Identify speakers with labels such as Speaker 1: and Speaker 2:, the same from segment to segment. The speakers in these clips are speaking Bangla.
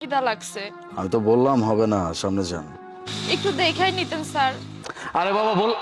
Speaker 1: খিদা লাগছে।
Speaker 2: আমি তো বললাম হবে না, সামনে যান।
Speaker 1: একটু দেখাই নিতেন স্যার।
Speaker 2: আরে বাবা বল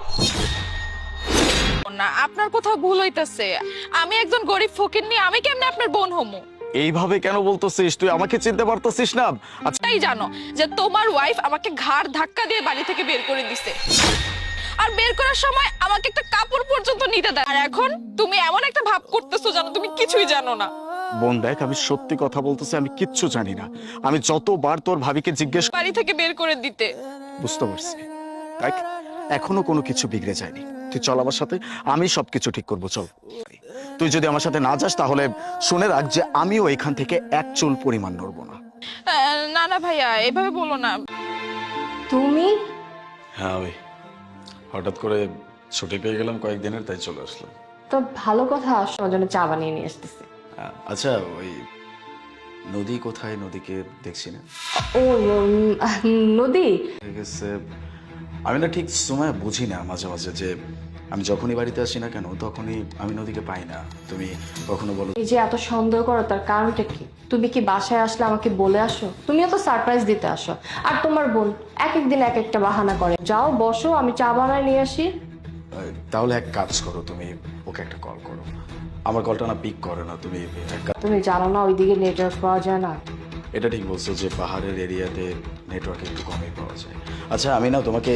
Speaker 1: না, আপনার কোথাও ভুল হইতাছে। আমি একজন গরিব ফকিন্নি, আমি কেমনে আপনার বোন হমু?
Speaker 2: এইভাবে কেন বলতেছিস? তুই আমাকে চিনতে পারতেছিস না? আচ্ছা
Speaker 1: তাই জানো যে তোমার ওয়াইফ আমাকে ঘাড় ধাক্কা দিয়ে বাড়ি থেকে বের করে দিছে, আর বের করার সময় আমাকে একটা কাপড় পর্যন্ত নিতে দেয়। আর এখন তুমি এমন একটা ভাব করতেছো জানো তুমি কিছুই জানো না।
Speaker 2: বোন দেখ, আমি সত্যি কথা বলতেছি, আমি কিচ্ছু জানি না। আমি যতবার তোর ভাবিকে জিজ্ঞেস
Speaker 1: বাড়ি থেকে বের করে দিতে।
Speaker 2: বুঝতে পারছি। দেখ, এখনো কোনো কিছু বিগড়ে যায়নি। তুই চল আমার সাথে, আমি সবকিছু ঠিক করবো। চল। তুই যদি আমার সাথে না যাস তাহলে শুনে রাখ যে আমিও এখান থেকে এক চুল পরিমাণ নড়বো না।
Speaker 1: না না ভাইয়া, এভাবে বলো না।
Speaker 3: তুমি?
Speaker 2: হ্যাঁ ওই হঠাৎ করে ছুটি পেয়ে গেলাম কয়েকদিনের, তাই চলে আসলাম।
Speaker 3: তো ভালো কথা, আমার জন্য চা বানিয়ে নিয়ে আসতেছি।
Speaker 2: আচ্ছা ওই নদী কোথায়? নদীকে দেখছি না।
Speaker 3: ও নদী?
Speaker 2: ঠিক আছে, আমি না ঠিক সময় বুঝি না মাঝে মাঝে, যে আমি যখনই বাড়িতে আসি না কেন তখনই আমি নদীকে পাই না। তুমি কখনো বলো
Speaker 3: এই যে এত সন্দেহ করো, তার কারণটা কি? তুমি কি বাসায় আসলে আমাকে বলে আসো? তুমিও তো সারপ্রাইজ দিতে আসো। আর তোমার বোন এক এক দিন এক একটা বাহানা করে। যাও বসো, আমি চা বানায় নিয়ে আসি।
Speaker 2: তাহলে এক কাজ করো, তুমি ওকে একটা কল করো। আমার কলটা না পিক করে না। তুমি
Speaker 3: তুমি জানো না ওইদিকে নেটওয়ার্ক পাওয়া যায় না?
Speaker 2: এটা ঠিক বলছো যে পাহাড়ের এরিয়াতে নেটওয়ার্ক একটু কমই পাওয়া যায়। আচ্ছা আমি না তোমাকে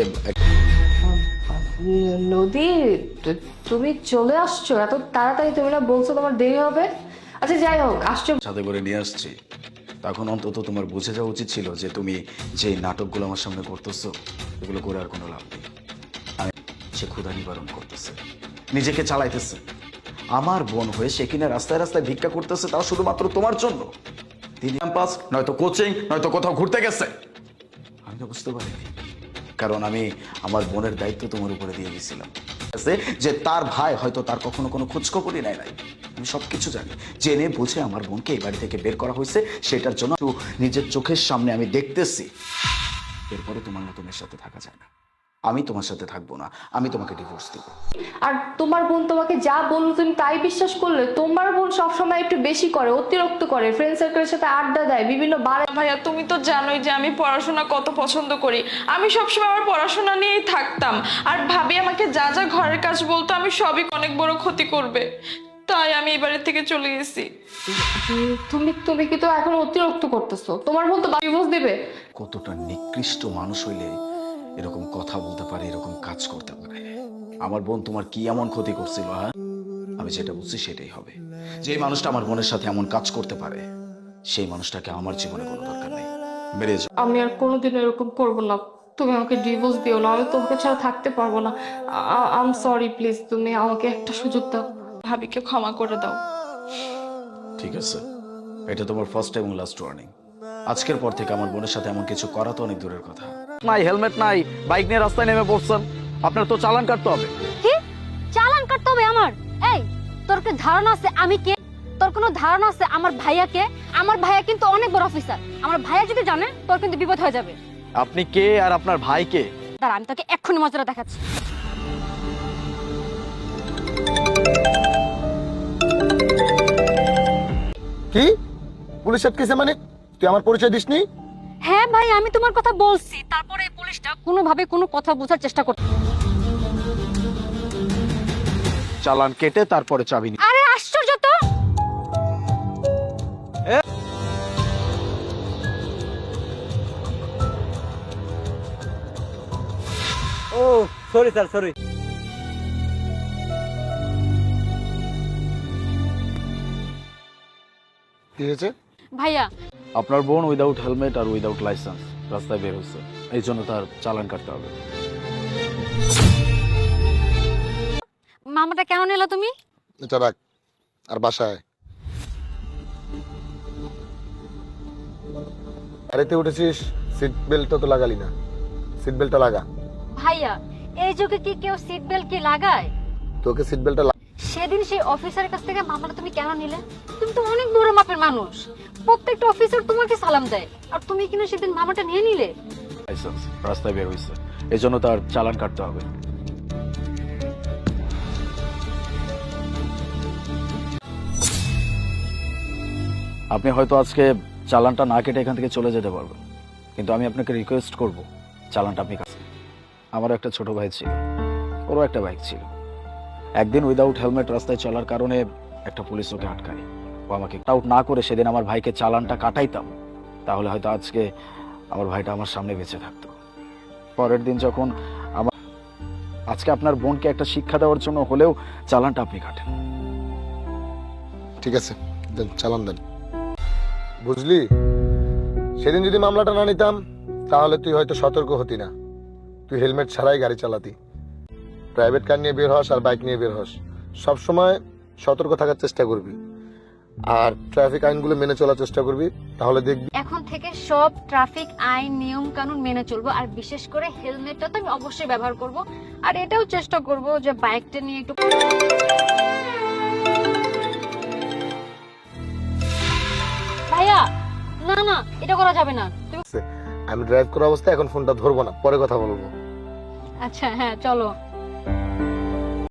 Speaker 3: নদী, তুমি চলে আসছো এত তাড়াতাড়ি? তুমি না বলছো তোমার দেরি হবে। আচ্ছা যাই হোক, আসছো।
Speaker 2: সাথে করে নিয়ে আসছি, তখন অন্তত তোমার বুঝে যাওয়া উচিত ছিল যে তুমি যে নাটকগুলো আমার সামনে করতেছো এগুলো করে আর কোনো লাভ নেই। আমি সে ক্ষুধা নিবারণ করতেছে, নিজেকে চালাইতেছে। আমার বোন হয়ে সে কিনা রাস্তায় রাস্তায় ভিক্ষা করতেছে, তাও শুধুমাত্র তোমার জন্য। তিনি ক্যাম্পাস নয়তো কোচিং নয়তো কোথাও ঘুরতে গেছে। আমি তো বুঝতে পারিনি, কারণ আমি আমার বোনের দায়িত্ব তোমার উপরে দিয়ে দিয়েছিলাম যে তার ভাই হয়তো তার কখনো কোনো খোঁজখবরই নেয় নাই। আমি সবকিছু জানি, জেনে বুঝে আমার বোনকে এই বাড়ি থেকে বের করা হয়েছে। সেটার জন্য নিজের চোখের সামনে আমি দেখতেছি। এরপরে তোমার মতো মেয়ের সাথে থাকা যায় না। আমি তোমার সাথে থাকবো না, আমি তোমাকে ডিভোর্স দেব।
Speaker 3: আর তোমার বোন তোমাকে যা বললো তুমি তাই বিশ্বাস করলে? তোমার বোন সবসময় একটু বেশি করে, অতিরিক্ত করে, ফ্রেন্ড সার্কেলের সাথে আড্ডা দেয় বিভিন্ন বারে।
Speaker 1: ভাইয়া তুমি তো জানোই যে আমি পড়াশোনা কত পছন্দ করি। আমি সবসময় আমার পড়াশোনা নিয়েই থাকতাম, আর ভাবি আমাকে যা যা ঘরের কাজ বলতো আমি সবই অনেক বড় ক্ষতি করবে, তাই আমি এই বাড়ি থেকে চলে গেছি।
Speaker 3: তুমি তুমি কি তো এখন অতিরিক্ত করতেছো? তোমার বোন তো ডিভোর্স দেবে।
Speaker 2: কতটা নিকৃষ্ট মানুষ হইলে এরকম কথা বলতে পারে, এরকম কাজ করতে পারে? আমার বোন তোমার কি এমন ক্ষতি করছিল? হ্যাঁ, আমি যেটা বুঝছি সেটাই হবে। যে মানুষটা আমার বোনের সাথে এমন কাজ করতে পারে সেই মানুষটাকে আমার জীবনে কোনো দরকার নেই। বেরিয়ে যাও।
Speaker 3: আমি আর কোনোদিন এরকম করবো না। তুমি আমাকে ডিভোর্স দিও না, আমি তোমাকে ছাড়া থাকতে পারবো না। আই এম সরি, প্লিজ তুমি আমাকে একটা সুযোগ দাও।
Speaker 1: ভাবিকে ক্ষমা করে দাও।
Speaker 2: ঠিক আছে, এটা তোমার ফার্স্ট এবং লাস্ট ওয়ার্নিং। আজকের পর থেকে আমার বোনের সাথে এমন কিছু করা তো অনেক দূরের কথা।
Speaker 4: নাই, হেলমেট নাই, বাইক নিয়ে রাস্তায় নেমে পড়ছেন, আপনার তো চালান কাটতে হবে।
Speaker 5: কি চালান কাটতে হবে আমার? এই, তোর কি ধারণা আছে আমি কে? তোর কোনো ধারণা আছে আমার ভাইয়া কে? আমার ভাইয়া কিন্তু অনেক বড় অফিসার। আমার ভাইয়া যদি জানে তোর কিন্তু বিপদ হয়ে যাবে।
Speaker 4: আপনি কে আর আপনার ভাই কে?
Speaker 5: দাঁড়া, আমি তোকে এক্ষুনি মজাটা দেখাচ্ছি।
Speaker 6: কি পুলিশ আটকেছে মানে? তুই আমার পরিচয় দিসনি?
Speaker 5: হ্যাঁ ভাই, আমি তোমার কথা বলছি, তারপরে এই পুলিশটা কোনোভাবে কোনো কথা বোঝার চেষ্টা করছে।
Speaker 4: চালান কেটে তারপরে চাবি নিয়ে।
Speaker 5: আরে আশ্চর্য তো!
Speaker 7: ও সরি স্যার, সরি।
Speaker 6: কি হয়েছে?
Speaker 5: ভাইয়া,
Speaker 4: আপনার বোন উইদাউট হেলমেট আর উইদাউট লাইসেন্স রাস্তায় বের হচ্ছে, এই জন্য তার চালান কাটতে হবে।
Speaker 5: মামাটা কেন নিলা তুমি?
Speaker 6: এটা রাখ আর বাসায়। গাড়িতে উঠেছিস, সিট বেল্টটা তো লাগালি না। সিট বেল্টটা লাগা।
Speaker 5: ভাইয়া, এই যুগে কি কেউ সিট বেল্ট কি লাগায়?
Speaker 6: তোকে সিট বেল্টটা
Speaker 5: সেদিন সেই অফিসারের কাছ থেকে মামলাটা তুমি কেন নিলে? তুমি তো অনেক বড় মাপের মানুষ, প্রত্যেকটা অফিসার তোমাকে সালাম দেয়, আর তুমি কিনা সেদিন মামাটা নিয়ে নিলে।
Speaker 4: লাইসেন্স রাস্তায় বের হয়েছে, এই জন্য তার চালান কাটতে হবে। আপনি হয়তো আজকে চালানটা না কেটে এখান থেকে চলে যেতে পারবেন, কিন্তু আমি আপনাকে রিকোয়েস্ট করব চালানটা আপনি কাছে। আমারও একটা ছোট ভাই ছিল, ওরও একটা বাইক ছিল। একদিন উইদাউট হেলমেট রাস্তায় চলার কারণে একটা পুলিশ ওকে আটকায়। ও আমাকে আউট না করে সেদিন আমার ভাইকে চালানটা কাটাইতাম, তাহলে হয়তো আজকে আমার ভাইটা আমার সামনে বেঁচে থাকতো। পরের দিন যখন আজকে আপনার বোনকে একটা শিক্ষা দেওয়ার জন্য হলেও চালানটা আপনি কাটেন।
Speaker 6: ঠিক আছে, দেন চালান দেন। বুঝলি, সেদিন যদি মামলাটা না নিতাম তাহলে তুই হয়তো সতর্ক হতি না। তুই হেলমেট ছাড়াই গাড়ি চালাতি। প্রাইভেট কার নিয়ে বের হস আর বাইক নিয়ে বের হস, সবসময় সতর্ক থাকার চেষ্টা করবি আর ট্রাফিক আইনগুলো মেনে চলার চেষ্টা করবি, তাহলে দেখবি।
Speaker 5: এখন থেকে সব ট্রাফিক আইন নিয়ম কানুন মেনে চলবো, আর বিশেষ করে হেলমেটটা তো আমি অবশ্যই ব্যবহার করব। আর এটাও চেষ্টা করব যে বাইকটা নিয়ে একটু ভাইয়া, না না এটা করা যাবে না।
Speaker 6: আমি ড্রাইভ করা অবস্থায় এখন ফোনটা ধরবো না, পরে কথা বলবো।
Speaker 5: আচ্ছা হ্যাঁ চলো।